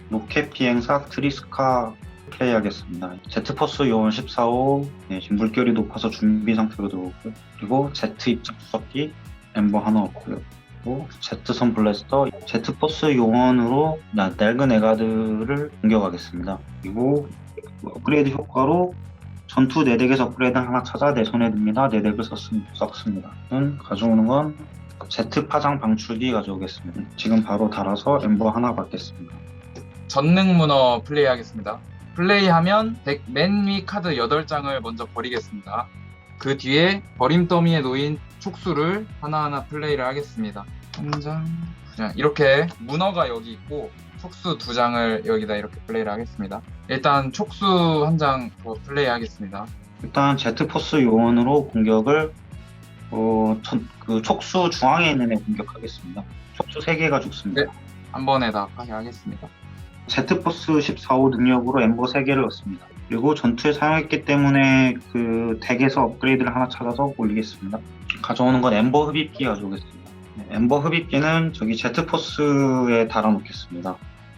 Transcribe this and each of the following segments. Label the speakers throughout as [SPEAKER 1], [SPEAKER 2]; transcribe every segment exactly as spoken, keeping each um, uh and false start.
[SPEAKER 1] 로켓 비행사 트리스카 플레이하겠습니다. 제트포스 요원 십사호, 네, 지금 물결이 높아서 준비 상태로 들어오고요. 그리고 제트 입장 수석기 엠버 하나 없고요. 그리고 제트선 블래스터, 제트포스 요원으로 나- 낡은 에가드를 공격하겠습니다. 그리고 업그레이드 효과로 전투 네 덱에서 업그레이드 하나 찾아 내 손에 듭니다. 네 덱을 썼습니다. 는 가져오는 건 제트 파장 방출기 가져오겠습니다. 지금 바로 달아서 엠버 하나 받겠습니다.
[SPEAKER 2] 전능 문어 플레이하겠습니다. 플레이하면 덱 맨 위 카드 여덟 장을 먼저 버리겠습니다. 그 뒤에 버림 더미에 놓인 촉수를 하나하나 플레이를 하겠습니다. 한 장, 두 장. 이렇게 문어가 여기 있고 촉수 두 장을 여기다 이렇게 플레이를 하겠습니다. 일단 촉수 한 장 더 플레이 하겠습니다.
[SPEAKER 1] 일단 제트포스 요원으로 공격을 어, 전, 그 촉수 중앙에 있는 애 공격하겠습니다. 촉수 세 개가 죽습니다.
[SPEAKER 2] 네. 한 번에 다 파괴하겠습니다.
[SPEAKER 1] 제트포스 십사호 능력으로 엠버 세 개를 넣습니다. 그리고 전투에 사용했기 때문에 그 덱에서 업그레이드를 하나 찾아서 올리겠습니다. 가져오는 건 엠버 흡입기 가져오겠습니다. 네, 엠버 흡입기는 저기 제트포스에 달아놓겠습니다.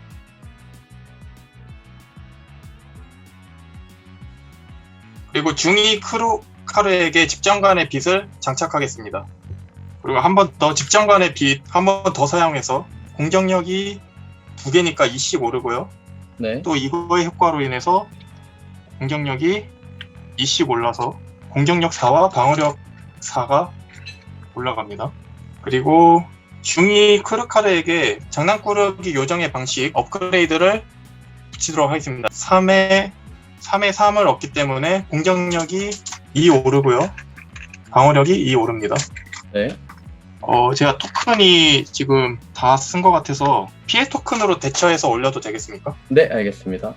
[SPEAKER 3] 그리고 중위 크루카르에게 집정관의 빛을 장착하겠습니다. 그리고 한 번 더 집정관의 빛 한 번 더 사용해서 공격력이 두 개니까 이씩 오르고요.
[SPEAKER 4] 네.
[SPEAKER 3] 또 이거의 효과로 인해서 공격력이 이씩 올라서 공격력 사와 방어력 사가 올라갑니다. 그리고 중위 크루카르에게 장난꾸러기 요정의 방식 업그레이드를 붙이도록 하겠습니다. 삼에 삼에 삼을 얻기 때문에 공격력이 이 오르고요. 방어력이 이 오릅니다.
[SPEAKER 4] 네.
[SPEAKER 3] 어, 제가 토큰이 지금 다 쓴 것 같아서 피해 토큰으로 대처해서 올려도 되겠습니까?
[SPEAKER 4] 네, 알겠습니다.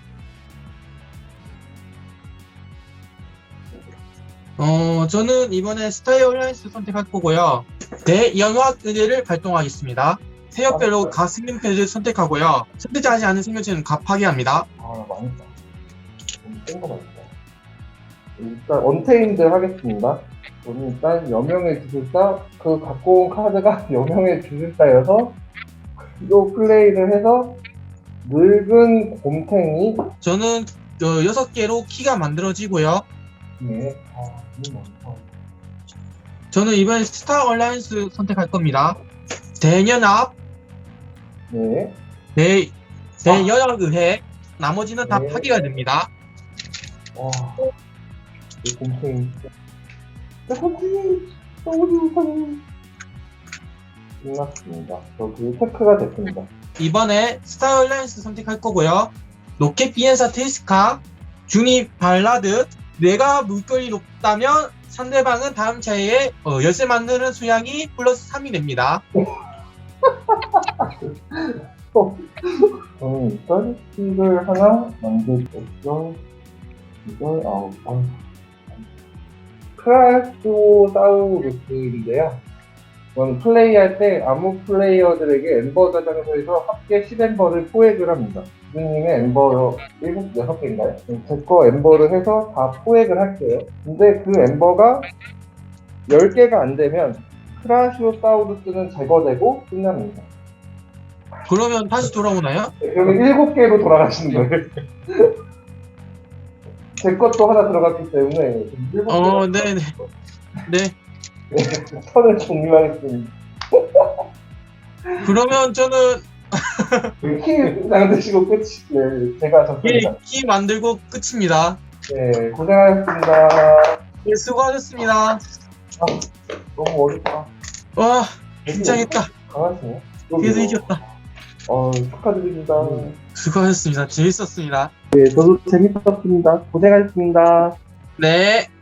[SPEAKER 5] 어, 저는 이번에 스타일 얼라이언스 선택할 거고요. 대연화 의뢰를 발동하겠습니다. 세역별로 각 생명체를 선택하고요. 선택하지 않은 생명체는 각 파괴합니다.
[SPEAKER 6] 아, 망했다. 센거 같다. 일단 언테인드 하겠습니다. 저는 일단 여명의 주술사, 그 갖고 온 카드가 여명의 주술사여서 이 플레이를 해서 늙은 곰탱이.
[SPEAKER 5] 저는 어, 여섯 개로 키가 만들어지고요.
[SPEAKER 6] 네. 아, 이거 많다.
[SPEAKER 5] 저는 이번에 스타 얼라이언스 선택할 겁니다. 대연합,
[SPEAKER 6] 네.
[SPEAKER 5] 대, 대연합 의회, 나머지는 다
[SPEAKER 6] 네.
[SPEAKER 5] 파괴가 됩니다.
[SPEAKER 6] 와, 이 곰탱이. 내 곰탱이, 너무 좋아요. 끝났습니다. 저그 체크가 됐습니다.
[SPEAKER 5] 이번에 스타 얼라이언스 선택할 거고요. 로켓 비엔사 테스카, 중위 발라드, 내가 물결이 높다면 상대방은 다음 차례에 어, 열쇠 만드는 수량이 플러스 삼이 됩니다.
[SPEAKER 6] 저는 일단 킥을 하나 만들었죠. 이걸 아우 아우. 크라소사우루스인데요. 이건 플레이할 때 아무 플레이어들에게 엠버 저장소에서 합계 십 엠버를 포획을 합니다. 주님의 엠버 일곱, 여섯 개인가요? 제 거 엠버를 해서 다 포획을 할게요. 근데 그 엠버가 열 개가 안 되면 크라시오사우루스는 제거되고 끝납니다.
[SPEAKER 5] 그러면 다시 돌아오나요?
[SPEAKER 6] 네, 그러면 일곱 개로 돌아가시는 거예요. 제 것도 하나 들어갔기 때문에 일곱 개.
[SPEAKER 5] 어, 네네. 네.
[SPEAKER 6] 턴을 종료하겠습니다.
[SPEAKER 5] 그러면 저는
[SPEAKER 6] 키 만드시고 끝이. 네, 제가
[SPEAKER 5] 예,
[SPEAKER 6] 졌습니다.
[SPEAKER 5] 키 만들고 끝입니다.
[SPEAKER 6] 네, 고생하셨습니다.
[SPEAKER 5] 예, 수고하셨습니다.
[SPEAKER 6] 너무 어렵다.
[SPEAKER 5] 와, 긴장했다.
[SPEAKER 6] 강하시네.
[SPEAKER 5] 그래도 이겼다.
[SPEAKER 6] 어, 축하드립니다.
[SPEAKER 5] 수고하셨습니다. 재밌었습니다.
[SPEAKER 6] 네, 저도 재밌었습니다. 고생하셨습니다.
[SPEAKER 5] 네.